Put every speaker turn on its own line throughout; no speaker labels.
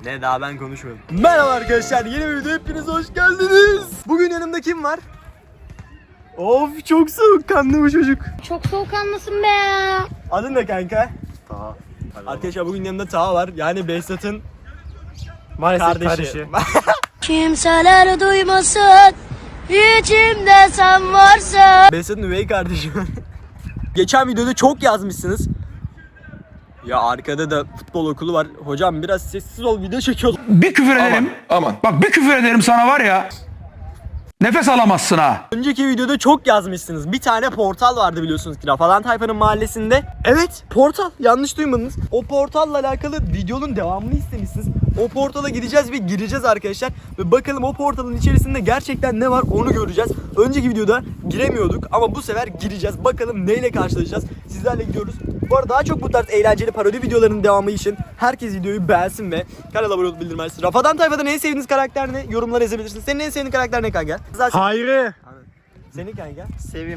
Ne daha ben konuşmadım. Merhaba arkadaşlar, yeni bir video hepiniz hoş geldiniz. Bugün yanımda kim var? Of, çok soğukkanlı bu çocuk.
Çok soğukkanlısın be.
Adın ne kanka? Taha. Arkadaşlar bugün yanımda Taha var. Yani Behzat'ın maalesef kardeşi.
Kimseler duymasın, içimde sen varsın.
Behzat'ın üvey kardeşi. Geçen videoda çok yazmışsınız. Ya arkada da futbol okulu var. Hocam biraz sessiz ol, video çekiyoruz.
Bir küfür ederim. Aman. Bak bir küfür ederim sana var ya. Nefes alamazsın ha.
Önceki videoda çok yazmışsınız. Bir tane portal vardı biliyorsunuz ki Rafadan Tayfa'nın mahallesinde. Evet, portal. Yanlış duymadınız. O portalla alakalı videonun devamını istemişsiniz. O portala gideceğiz ve gireceğiz arkadaşlar. Ve bakalım o portalın içerisinde gerçekten ne var onu göreceğiz. Önceki videoda giremiyorduk ama bu sefer gireceğiz. Bakalım neyle karşılaşacağız. Sizlerle gidiyoruz. Bu arada daha çok bu tarz eğlenceli parodi videolarının devamı için herkes videoyu beğensin ve kanala abone olup bildirmez. Rafadan Tayfa'dan en sevdiğiniz karakter ne? Yorumlara yazabilirsiniz. Senin en sevdiğin karakter ne kanka? Zaten...
Hayri.
Senin kanka?
Sevim.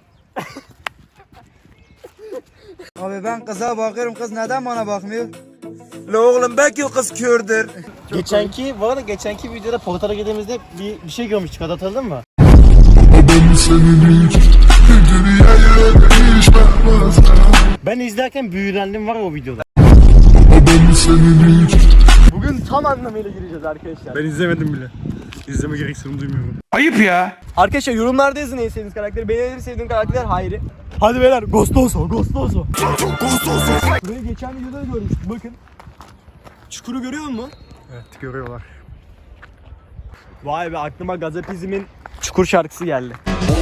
Abi ben kıza bakıyorum, kız neden bana bakmıyor?
La oğlum belki o kız kördür.
Bu arada geçenki videoda portala girdiğimizde bir şey görmüştük, hatırladın mı? Ben izlerken büyülendim var ya o videoda.
Bugün tam anlamıyla gireceğiz arkadaşlar.
Ben izlemedim bile. İzleme gereksinimi duymuyorum.
Ayıp ya.
Arkadaşlar yorumlarda yazın en sevdiğiniz karakteri. Benim en sevdiğim karakter Hayri. Hadi beyler, Gostoso. Burayı geçen videoda görmüştük, bakın. Çukuru görüyor musun?
Evet, görüyorlar.
Vay be, aklıma Gazapizm'in Çukur şarkısı geldi.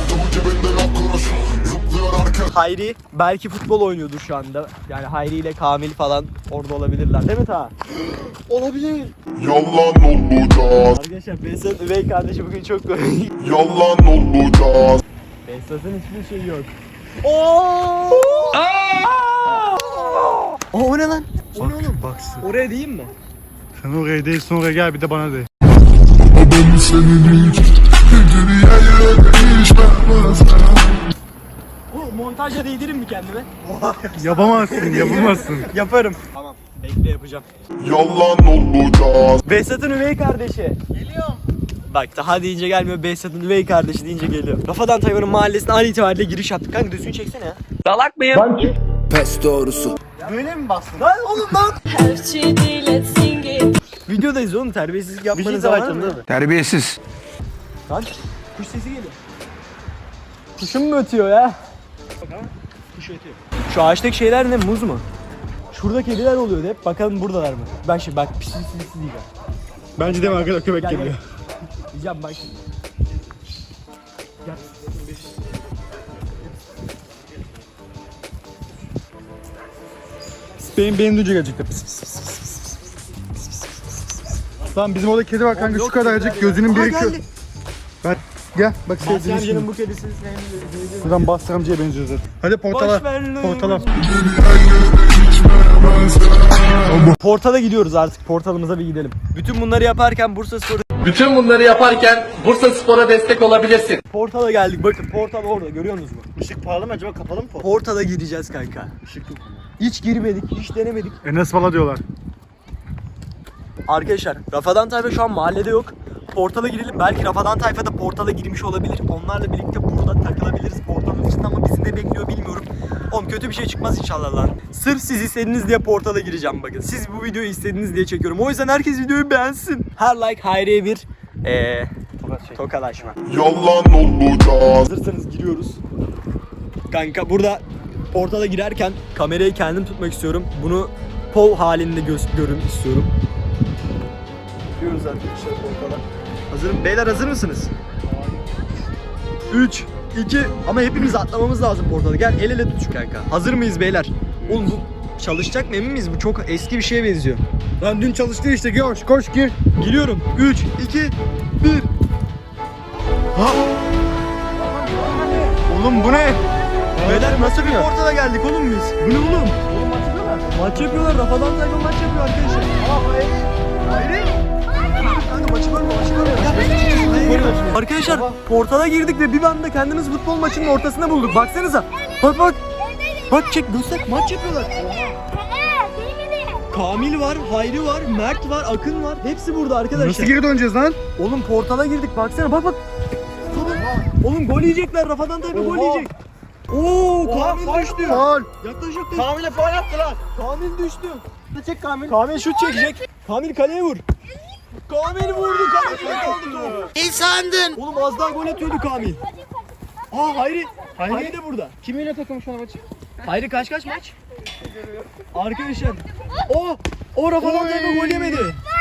Hayri belki futbol oynuyordur şu anda. Yani Hayri ile Kamil falan orada olabilirler. Değil mi Ta? Olabilir.
Yalan olacağız,
Arkadaşlar Behzat üvey kardeşi bugün çok komik.
yalan olacağız.
Behzat'ın hiçbir şey yok. Oo! O ne lan? O ne oğlum?
Baksın.
Oraya değil mi?
Sen oraya değil, sonra gel bir de bana de.
Ben senin için dünyaya değişmez.
O montajla değdirim mi kendime?
Yapamazsın.
Yaparım. Tamam. Bekle, yapacağım.
Yalan olacağız.
Behzat'ın üvey kardeşi. Geliyorum. Bak daha deyince gelmiyor, Behzat'ın üvey kardeşi deyince geliyor. Rafadan Tayfa'nın mahallesine an itibariyle giriş yaptık. Kanka düzgün çeksene ya. Salak mıyım?
Pes doğrusu.
Böyle mi bastın? Lan oğlum lan. Videodayız oğlum, terbiyesizlik yapmanın zamanı mı?
Terbiyesiz.
Lan kuş sesi geliyor. Kuşun mu ötüyor ya? Kuş ötüyor. Şu ağaçtaki şeyler ne, muz mu? Şurada kediler oluyordu hep. Bakalım buradalar mı? Ben şimdi bak pis diyeceğim.
Bence de mi arkada köpek
Gel,
geliyor.
gel. Diyeceğim bak şimdi. Gel.
Benim duyunca gelecekler. Tamam, bizim orada kedi var kanka, şu kadarcık, gözünün biri kör. Ben gel bak, sevdiğim
Amcanın
şimdi.
bu kedisi sevmiyor.
Buradan Bastır amcaya benziyor zaten. Hadi portala. Portala.
Portala gidiyoruz artık. Portalımıza bir gidelim. Bütün bunları yaparken
Bütün bunları yaparken Bursaspor'a destek olabilirsin.
Portala geldik. Bakın portal orada, görüyor musunuz?
Işık pahalı mı acaba, kapalı mı portal?
Portala gideceğiz kanka. Hiç girmedik, hiç denemedik.
Enes Bala diyorlar.
Arkadaşlar Rafadan Tayfa şu an mahallede yok. Portala girelim. Belki Rafadan Tayfa da portala girmiş olabilir. Onlarla birlikte burada takılabiliriz portalın içinde ama bizi ne bekliyor bilmiyorum. Oğlum kötü bir şey çıkmaz inşallah lan. Sırf siz istediniz diye portala gireceğim bakın. Siz bu videoyu istediniz diye çekiyorum. O yüzden herkes videoyu beğensin. Her like Hayri'ye bir tokalaşma.
Yalan olacağız.
Hazırsanız giriyoruz. Kanka burada portala girerken kamerayı kendim tutmak istiyorum. Bunu POV halinde görün istiyorum. Giriyoruz arkadaşlar portala. Hazırım. Beyler hazır mısınız? 3, 2, ama hepimiz atlamamız lazım portala. Gel el ele tut şu kanka. Hazır mıyız beyler? Oğlum bu çalışacak mı, emin miyiz? Bu çok eski bir şeye benziyor.
Lan dün çalıştı işte, koş gir.
Giriyorum. 3, 2, 1.
Oğlum bu ne?
Beyler nasıl bir portala geldik oğlum biz? Bu ne oğlum? Oğlum maç yapıyorlar. Maç yapıyorlar. Rafadan Tayfa maç yapıyor arkadaşlar. Hayır. Kanka maçı bölme. Arkadaşlar portala girdik ve bir anda kendimiz futbol maçının ortasında bulduk. Baksanıza. Bak. Bak çek, göster. Maç yapıyorlar. Kamil var, Hayri var, Mert var, Akın var. Hepsi burada arkadaşlar.
Nasıl geri döneceğiz lan?
Oğlum portala girdik baksana bak. Oğlum gol yiyecekler. Rafadan Tayfa gol yiyecek. Oo Kamil düştü.
Faul.
Yaklaş yaklaş.
Kamil'e faul yaptılar.
Kamil düştü.
Çek Kamil.
Kamil şut çekecek. Kamil kaleye vur. Kamil vurdu. Kamil kaldı.
Ne sandın?
Oğlum az daha gol atıyordu Kamil. Aa Hayri. Hayri de burada.
Kiminle takım şu an maçı?
Hayri kaç maç? Arkadaşlar. O Rafadan Tayfa gol yemedi.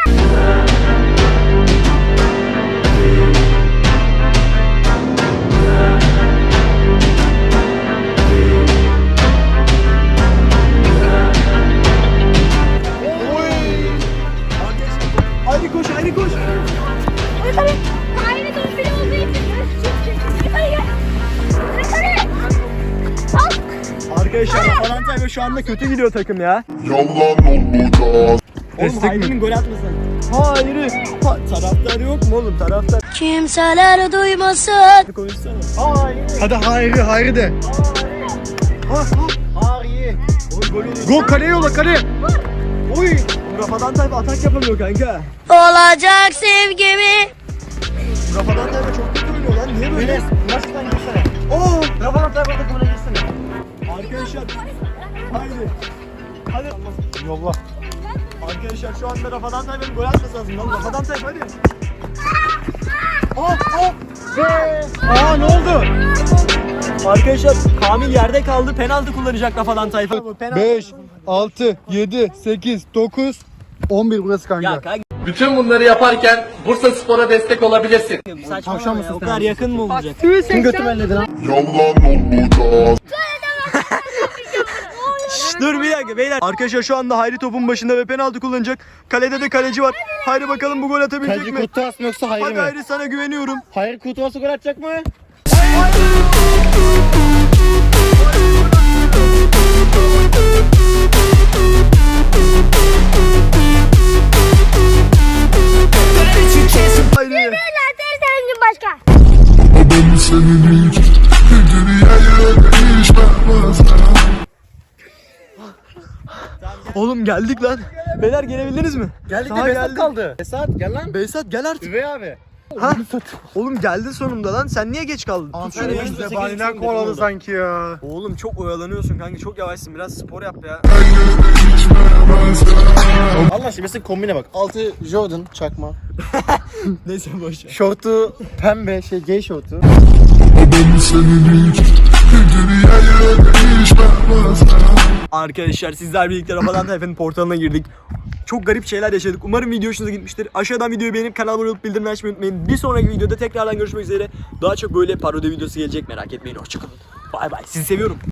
Hayri koş, Hayri koş.
Yukarı. Aynı dön biri olduğu için. Yukarı gel. Yukarı. Al.
Arkadaşlar Rafadan Tayfa şu anda kötü gidiyor takım ya.
Yalan olacağız.
Oğlum Hayri'nin gol atmasın. Hayri. Taraftar yok mu oğlum? Taraftar
Kimseler duymasın.
konuşsana. Hayri.
Hadi Hayri de.
Hayri. Oğlum gol oluyor.
Gol kaleye yolla kaleye.
Oy. Rafadan Tayfa atak yapamıyor kanka.
Olacak sevgimi.
Rafadan Tayfa çok kötü oynuyor lan. Niye böyle?
Enes maçtan girsene.
Oo.
Rafadan Tayfa takımına girsene.
Arkadaşlar. Haydi. Hadi.
Yolla.
Arkadaşlar şu anda Rafadan Tayfa'nın gol atması lazım lan. Rafadan Tayfa hadi. Aa ne oldu? Arkadaşlar Kamil yerde kaldı. Penaltı kullanacak Rafadan Tayfa.
5, 6, 7, 8, 9, 11 burası kanka.
Ya kanka
Bütün bunları yaparken Bursa Spor'a destek olabilirsin.
saçmalama ya. O kadar yakın mı olacak?
Kim götü belledi lan?
Yalan olacağız.
Dur bir dakika beyler. Arkadaşlar şu anda Hayri topun başında ve penaltı kullanacak. Kalede de kaleci var. Hayri bakalım bu gol atabilecek
Kaleci
mi?
Kurtuvas mı yoksa Hayri
Hadi
mi?
Hayri sana güveniyorum.
Hayri Kurtuvas'ı gol atacak mı?
Hayri.
Tertemiz başka.
Ben senin için dünyaya değişmez.
Oğlum geldik lan. Beyler gelebildiniz mi?
Geldik
Daha
de Besat
geldik.
kaldı. Besat gel lan.
Behzat gel artık.
Üvey abi.
Ha? Oğlum geldin sonunda lan. Sen niye geç kaldın? Tut şunu ya.
Bize baniden kovaladı sanki ya.
Oğlum çok oyalanıyorsun kanka. Çok yavaşsın. Biraz spor yap ya.
Allah aşkına mesela kombine bak. Altı Jordan çakma.
Neyse boş ver.
Şortu pembe gay şortu.
Ben senin için dünyaya değişmez.
Arkadaşlar sizler birlikte Rafadan Tayfa'nın portalına girdik. Çok garip şeyler yaşadık. Umarım video hoşunuza gitmiştir. Aşağıdan videoyu beğenip kanalıma abone olup bildirimleri açmayı unutmayın. Bir sonraki videoda tekrardan görüşmek üzere. Daha çok böyle parodi videosu gelecek, merak etmeyin. Hoşçakalın. Bay bay. Sizi seviyorum.